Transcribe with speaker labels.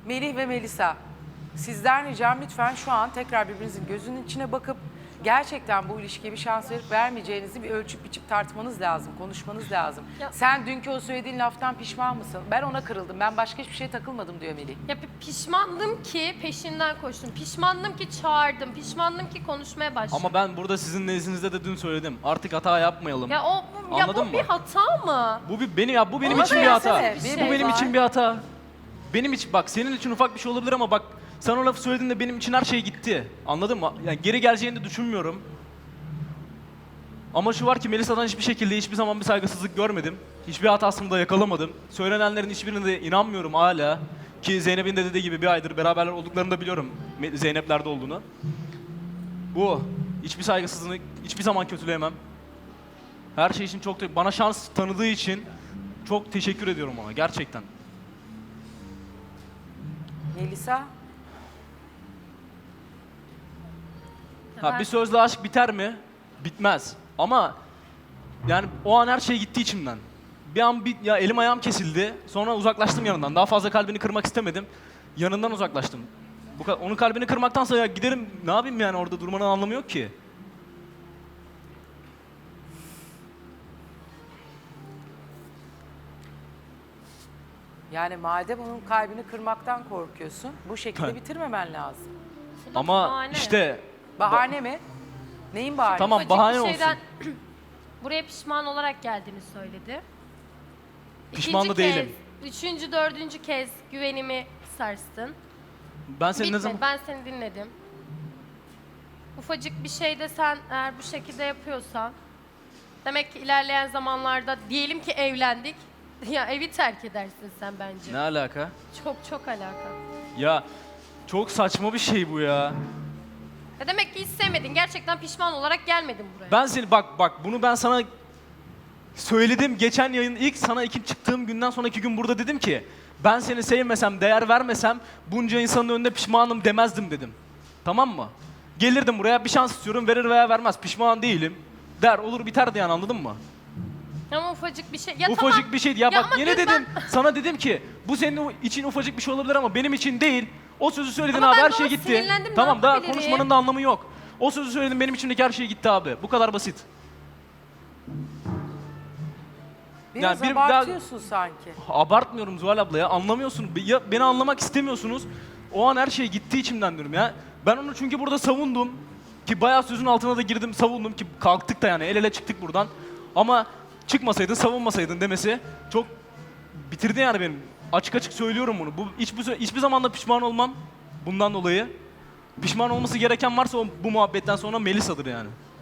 Speaker 1: Melih ve Melisa, sizden ricam lütfen şu an tekrar birbirinizin gözünün içine bakıp gerçekten bu ilişkiye bir şans verip vermeyeceğinizi bir ölçüp biçip tartmanız lazım, konuşmanız lazım.
Speaker 2: Ya-
Speaker 1: Sen dünkü o söylediğin laftan pişman mısın? Ben ona kırıldım, ben başka hiçbir şeye takılmadım diyor Melih.
Speaker 2: Ya pişmandım ki peşinden koştum. Pişmandım ki çağırdım. Pişmandım ki konuşmaya başladım.
Speaker 3: Ama ben burada sizin nezdinizde de dün söyledim. Artık hata yapmayalım.
Speaker 2: Ya
Speaker 3: Anladın
Speaker 2: bu
Speaker 3: mı?
Speaker 2: bir hata mı?
Speaker 3: Bu benim
Speaker 1: Ama
Speaker 3: için bir hata.
Speaker 1: söylesene,
Speaker 2: bir
Speaker 3: Bu benim
Speaker 1: var.
Speaker 3: için bir hata. Benim için bak senin için ufak bir şey olabilir ama bak sen o lafı söylediğinde benim için her şey gitti. Anladın mı? Yani geri geleceğini de düşünmüyorum. Ama şu var ki Melisa'dan hiçbir şekilde hiçbir zaman bir saygısızlık görmedim. Hiçbir hatasını da yakalamadım. Söylenenlerin hiçbirine de inanmıyorum hala. Ki Zeynep'in de dediği gibi bir aydır beraberler olduklarını da biliyorum. Zeynep'lerde olduğunu. Bu. Hiçbir saygısızlığını hiçbir zaman kötüleyemem. Her şey için bana şans tanıdığı için çok teşekkür ediyorum ona gerçekten.
Speaker 1: Melisa,
Speaker 3: Ha, bir sözle aşk biter mi? Bitmez. Ama yani o an her şey gitti içimden. Bir an ya elim ayağım kesildi. Sonra uzaklaştım yanından. Daha fazla kalbini kırmak istemedim. Yanından uzaklaştım. Onun kalbini kırmaktansa ya giderim ne yapayım yani orada durmanın anlamı yok ki.
Speaker 1: yani madem onun kalbini kırmaktan korkuyorsun, bu şekilde
Speaker 3: Evet.
Speaker 1: bitirmemen lazım.
Speaker 2: Bu da
Speaker 3: Ama
Speaker 2: bahane.
Speaker 3: işte
Speaker 1: Bahane mi? Neyin bahane?
Speaker 3: Tamam,
Speaker 2: Ufacık
Speaker 3: bahane
Speaker 2: bir
Speaker 3: olsun.
Speaker 2: şeyden buraya pişman olarak geldiğini söyledi.
Speaker 3: Pişman da
Speaker 2: İkinci kez,
Speaker 3: değilim.
Speaker 2: üçüncü, dördüncü kez güvenimi sarstın.
Speaker 3: ben seni ne
Speaker 2: Bitmedi,
Speaker 3: zaman...
Speaker 2: ben seni dinledim. Ufacık bir şeyde sen eğer bu şekilde yapıyorsan, demek ki ilerleyen zamanlarda diyelim ki evlendik, ya evi terk edersin sen bence.
Speaker 3: Ne alaka?
Speaker 2: Çok alaka.
Speaker 3: Ya çok saçma bir şey bu ya.
Speaker 2: Ya demek ki hiç sevmedin, gerçekten pişman olarak gelmedin buraya.
Speaker 3: Ben seni bak bunu ben sana söyledim geçen yayın ilk sana ilk çıktığım günden sonraki gün burada dedim ki ben seni sevmesem, değer vermesem bunca insanın önünde pişmanım demezdim dedim. Tamam mı? Gelirdim buraya bir şans istiyorum verir veya vermez pişman değilim. Der olur biterdi yani anladın mı?
Speaker 2: Ama ufacık bir şey. Ya
Speaker 3: Ufacık
Speaker 2: tamam.
Speaker 3: bir şeydi ya bak
Speaker 2: ama
Speaker 3: yine
Speaker 2: dün
Speaker 3: dedim sana dedim ki bu senin için ufacık bir şey olabilir ama benim için değil. O sözü söyledin
Speaker 2: Ama
Speaker 3: abi
Speaker 2: ben
Speaker 3: her
Speaker 2: de
Speaker 3: şey
Speaker 2: ona
Speaker 3: gitti.
Speaker 2: sinirlendim, ne
Speaker 3: Tamam daha
Speaker 2: yapabilirim?
Speaker 3: konuşmanın da anlamı yok. O sözü söyledim benim içimdeki her şey gitti abi. Bu kadar basit.
Speaker 1: Biraz
Speaker 3: yani bir daha-
Speaker 1: abartıyorsun sanki.
Speaker 3: Abartmıyorum Zuhal abla ya anlamıyorsun. Ya beni anlamak istemiyorsunuz. O an her şey gitti içimden diyorum ya. Ben onu çünkü burada savundum. Ki bayağı sözün altına da girdim savundum ki kalktık da yani el ele çıktık buradan. Ama çıkmasaydın savunmasaydın demesi çok bitirdi yani benim. Açık açık söylüyorum bunu. Hiçbir zaman da pişman olmam bundan dolayı. Pişman olması gereken varsa bu muhabbetten sonra Melisa'dır yani.